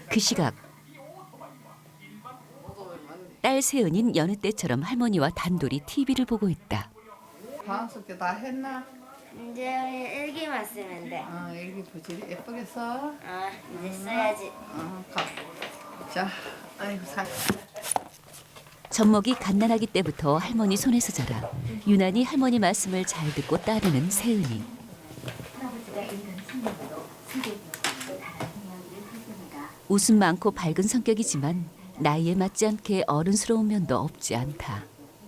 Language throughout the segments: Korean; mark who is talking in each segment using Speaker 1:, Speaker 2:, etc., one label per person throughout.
Speaker 1: 그 시각 딸 세은인 여느 때처럼 할머니와 단둘이 TV를 보고 있다.
Speaker 2: 방학숙제 다 했나?
Speaker 3: 이제 일기만 쓰면 돼.
Speaker 2: 일기 보지 예쁘게 써.
Speaker 3: 이제 써야지.
Speaker 2: 가. 자, 아이고 살.
Speaker 1: 젖먹이 갓난아기 때부터 할머니 손에서 자라 유난히 할머니 말씀을 잘 듣고 따르는 세은이. 웃음 많고 밝은 성격이지만 나이에 맞지 않게 어른스러운 면도 없지 않다.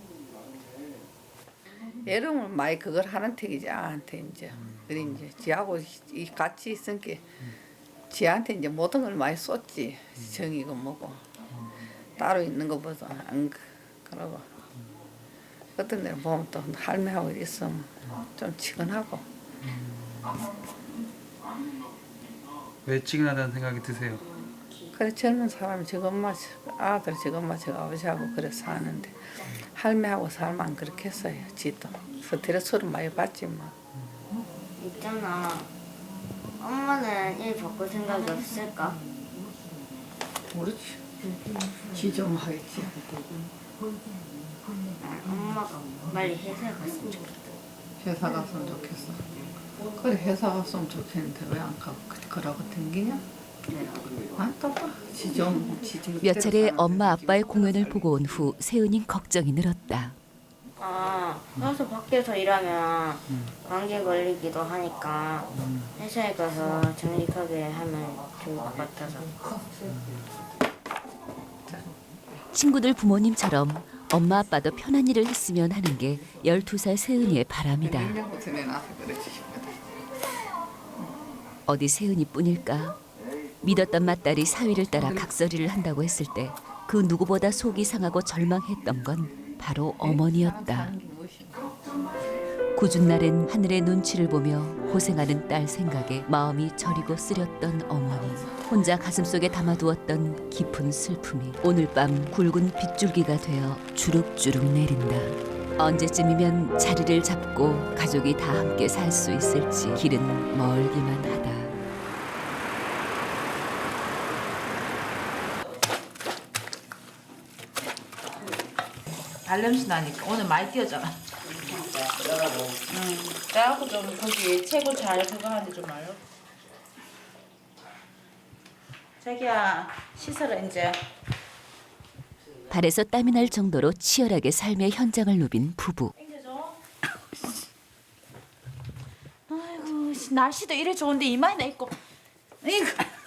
Speaker 2: 여름은 많이 그걸 하는 택이지 아한테 이제. 그래 이제 지하고 같이 있으니까 지한테 이제 모든 걸 많이 쏟지. 정이고 뭐고 따로 있는 것보다 안 그러고. 어떤 데는 보면 또 할매하고 있으면 좀 치근하고.
Speaker 4: 왜 치근하다는 생각이 드세요?
Speaker 2: 그래 젊은 사람이 저것만 아들 저것만 저 아버지하고 그래 사는데 할매하고 살면 그렇게 했어요. 지도 스트레스를 많이 받지 뭐.
Speaker 3: 있잖아. 엄마는 일 바꿀 생각이 없을까?
Speaker 2: 모르지. 지 좀 하겠지.
Speaker 3: 엄마가 빨리 회사에 갔으면 좋겠다.
Speaker 2: 회사 갔으면 좋겠어. 그래 회사 갔으면 좋겠는데 왜 안 가고 그러고 댕기냐? 안 떠봐.
Speaker 1: 몇 차례 엄마 아빠의 공연을 보고 온 후 세은이 걱정이 늘었다.
Speaker 3: 가서 밖에서 일하면 감기 걸리기도 하니까 회사에 가서 정직하게 하면 좋을 것 같아서.
Speaker 1: 친구들 부모님처럼 엄마 아빠도 편한 일을 했으면 하는 게 12살 세은이의 바람이다. 어디 세은이뿐일까? 믿었던 맏딸이 사위를 따라 각설이를 한다고 했을 때 그 누구보다 속이 상하고 절망했던 건 바로 어머니였다. 궂은 날엔 하늘의 눈치를 보며 고생하는 딸 생각에 마음이 저리고 쓰렸던 어머니. 혼자 가슴속에 담아두었던 깊은 슬픔이 오늘 밤 굵은 빗줄기가 되어 주룩주룩 내린다. 언제쯤이면 자리를 잡고 가족이 다 함께 살 수 있을지 길은 멀기만 하다.
Speaker 5: 발냄새 나니까 오늘 많이 뛰었잖아. 그래갖고 좀 거기 최고 잘 그거 하는데 좀 알려. 자기야 씻어라 이제.
Speaker 1: 발에서 땀이 날 정도로 치열하게 삶의 현장을 누빈 부부.
Speaker 5: 땡겨줘. 아이고 날씨도 이래 좋은데 이마에나 있고. 이거.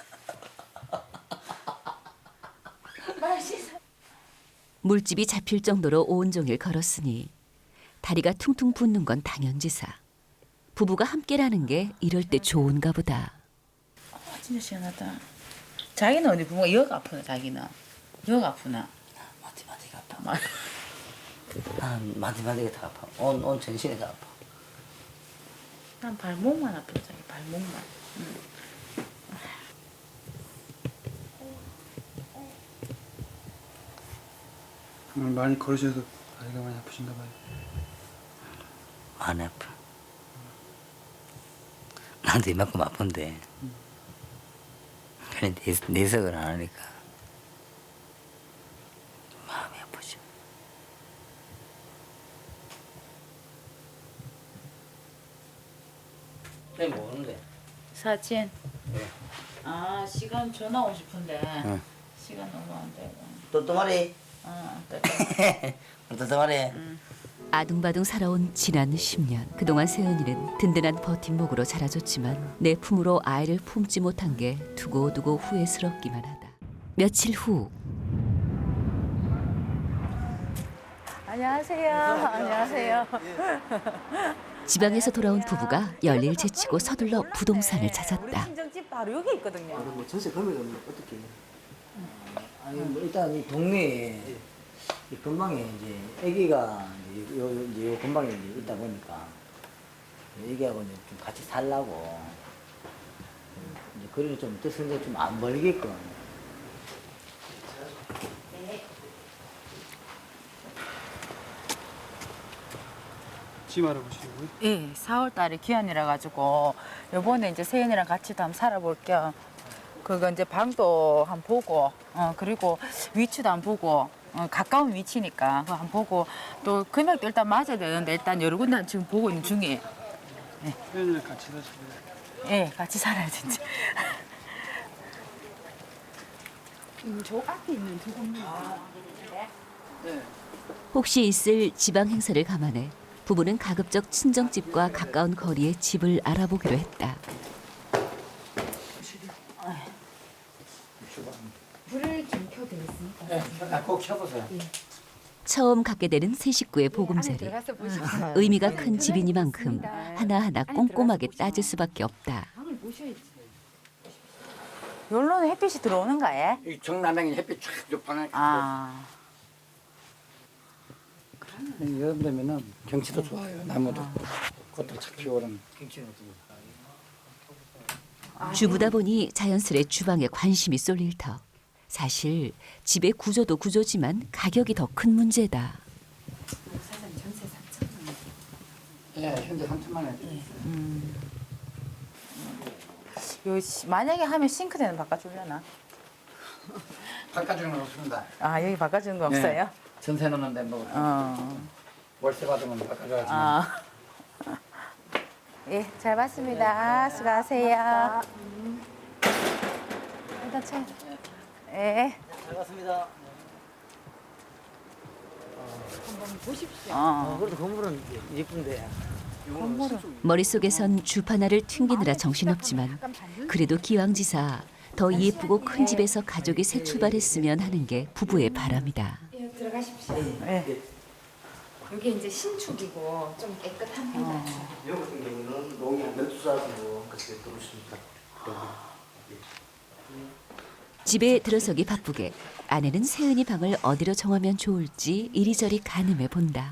Speaker 5: 말 씻어.
Speaker 1: 물집이 잡힐 정도로 온종일 걸었으니 다리가 퉁퉁 붓는 건 당연지사. 부부가 함께라는 게 이럴 때 좋은가 보다.
Speaker 5: 진짜 시원하다. 자기는 어디 부모가 여가 아프나 자기는? 여가 아프나?
Speaker 6: 마디마디가 아파. 난 마디마디가 다 아파. 온 전신이 다 아파.
Speaker 5: 난 발목만 아프다 자기 발목만.
Speaker 4: 많이 걸으셔서 다리가 많이 아프신가 봐요.
Speaker 6: 많이 아파. 나도 이만큼 아픈데. 그래 내석을 안 하니까 마음이 아프죠. 네, 뭐하는데?
Speaker 5: 사진.
Speaker 6: 네.
Speaker 5: 아 시간 전화 오고 싶은데
Speaker 6: 응.
Speaker 5: 시간 너무 안 되고.
Speaker 6: 또또마리.
Speaker 5: 또
Speaker 6: 또또마리.
Speaker 1: 아둥바둥 살아온 지난 10년. 그동안 세은이는 든든한 버팀목으로 자라줬지만 내 품으로 아이를 품지 못한 게 두고두고 후회스럽기만 하다. 며칠 후
Speaker 5: 안녕하세요. 안녕하세요.
Speaker 1: 지방에서 돌아온 부부가 열일 제치고 서둘러 부동산을 찾았다.
Speaker 5: 친정집 바로 여기 있거든요.
Speaker 7: 뭐 전세 금액은 어떻게?
Speaker 6: 아니 뭐 일단 이 동네에 이 근방에 이제 아기가 이제 요 근방에 이제 있다 보니까 애기하고 이제 좀 같이 살라고 이제 거리를 좀 뜻은데 좀 안 멀게끔.
Speaker 4: 집 알아보시고요.
Speaker 5: 예, 4월 달에 기한이라 가지고 요번에 이제 세연이랑 같이 도 한번 살아볼 겸 그거 이제 방도 한번 보고, 그리고 위치도 한번 보고, 가까운 위치니까 그거 한번 보고 또 금액도 일단 맞아야 되는데 일단 여러 군데 지금 보고 있는 중이에요.
Speaker 4: 회원이랑 같이 사시고요.
Speaker 5: 예, 같이 살아야 진짜.
Speaker 7: 저 앞에 있는 두 건물.
Speaker 1: 혹시 있을 지방 행사를 감안해 부부는 가급적 친정집과 가까운 거리에 집을 알아보기로 했다.
Speaker 7: 불을 좀 켜져 있으니까.
Speaker 6: 네, 꼭 켜보세요.
Speaker 1: 처음 갖게 되는 세 식구의 보금자리.
Speaker 7: 들어가서 보시고
Speaker 1: 의미가 큰 집이니만큼 하나하나 꼼꼼하게 따질 수밖에 없다.
Speaker 7: 방을 보셔야지.
Speaker 5: 여기로는 햇빛이 들어오는 거예요?
Speaker 6: 이 정남향이 햇빛 쫙 방에
Speaker 5: 아,
Speaker 6: 여름 되면은 경치도 좋아요. 나무도 꽃도 착 피어오르는.
Speaker 1: 주부다 보니 자연스레 주방에 관심이 쏠릴 터. 사실 집의 구조도 구조지만 가격이 더 큰 문제다.
Speaker 7: 사장님 전세 3천만 원.
Speaker 6: 예, 현재 3천만 원.
Speaker 5: 만약에 하면 싱크대는 바꿔주려나?
Speaker 6: 바꿔주는 건 없습니다.
Speaker 5: 아, 여기 바꿔주는 거 없어요?
Speaker 6: 네. 전세 넣는데 뭐 월세 받으면 바꿔줘야지.
Speaker 5: 아. 예, 잘 봤습니다. 수고하세요. 일단 차. 예.
Speaker 6: 잘 봤습니다. 그래도 건물은 예쁜데.
Speaker 1: 머릿속에선 주 하나를 튕기느라 정신없지만 그래도 기왕지사 더 예쁘고 큰 집에서 가족이 새 출발했으면 하는 게 부부의 바람이다.
Speaker 7: 예, 들어가십시오.
Speaker 5: 예.
Speaker 7: 여기 이제 신축이고 좀 깨끗합니다.
Speaker 6: 여기 같은 경우는 농약 멸두사하고 그렇게 들어오십니다.
Speaker 1: 집에 들어서기 바쁘게 아내는 세은이 방을 어디로 정하면 좋을지 이리저리 가늠해 본다.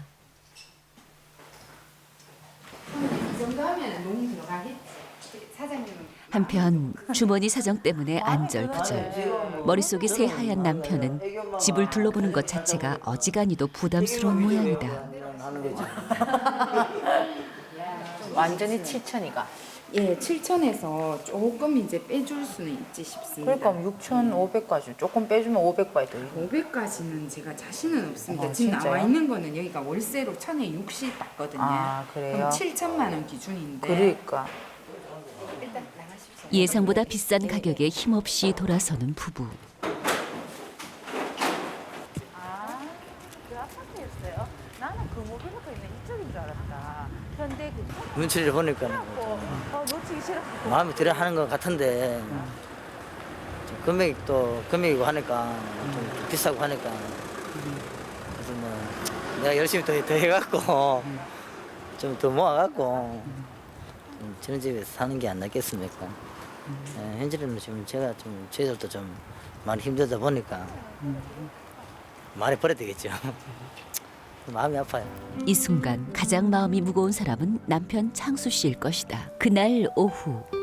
Speaker 7: 이 정도 하면 농 들어가겠지. 사장님은
Speaker 1: 한편 주머니 사정 때문에 안절부절. 머릿속이 새하얀 남편은 집을 둘러보는 것 자체가 어지간히도 부담스러운 모양이다.
Speaker 6: 하는 거지.
Speaker 5: 완전히 7천이가.
Speaker 7: 예, 7천에서 조금 이제 빼줄 수는 있지 싶습니다.
Speaker 5: 그러니까 6,500까지 조금 빼주면 500까지 더.
Speaker 7: 500까지는 제가 자신은 없습니다.
Speaker 5: 아,
Speaker 7: 지금
Speaker 5: 진짜요?
Speaker 7: 나와 있는 거는 여기가 월세로 1,060 받거든요.
Speaker 5: 아, 그래요?
Speaker 7: 그럼 7천만 원 기준인데.
Speaker 5: 그러니까.
Speaker 7: 일단 나가십시오.
Speaker 1: 예상보다 비싼 가격에 힘없이 돌아서는 부부.
Speaker 5: 그 아파트였어요? 나는 그 모빌리가 있는 이쪽인 줄 알았다. 현대 그
Speaker 6: 눈치를 보니까
Speaker 5: 놓치기 싫었고.
Speaker 6: 마음에 들어 하는 것 같은데 좀 금액이고 하니까 좀 비싸고 하니까 그래서 뭐 내가 열심히 더 해갖고 좀 더 모아갖고 좀 저런 집에서 사는 게 안 낫겠습니까? 예, 현재는 지금 제가 좀 저희들도 좀 많이 힘들다 보니까 많이 버려야 되겠죠. 마음이 아파요.
Speaker 1: 이 순간 가장 마음이 무거운 사람은 남편 창수 씨일 것이다. 그날 오후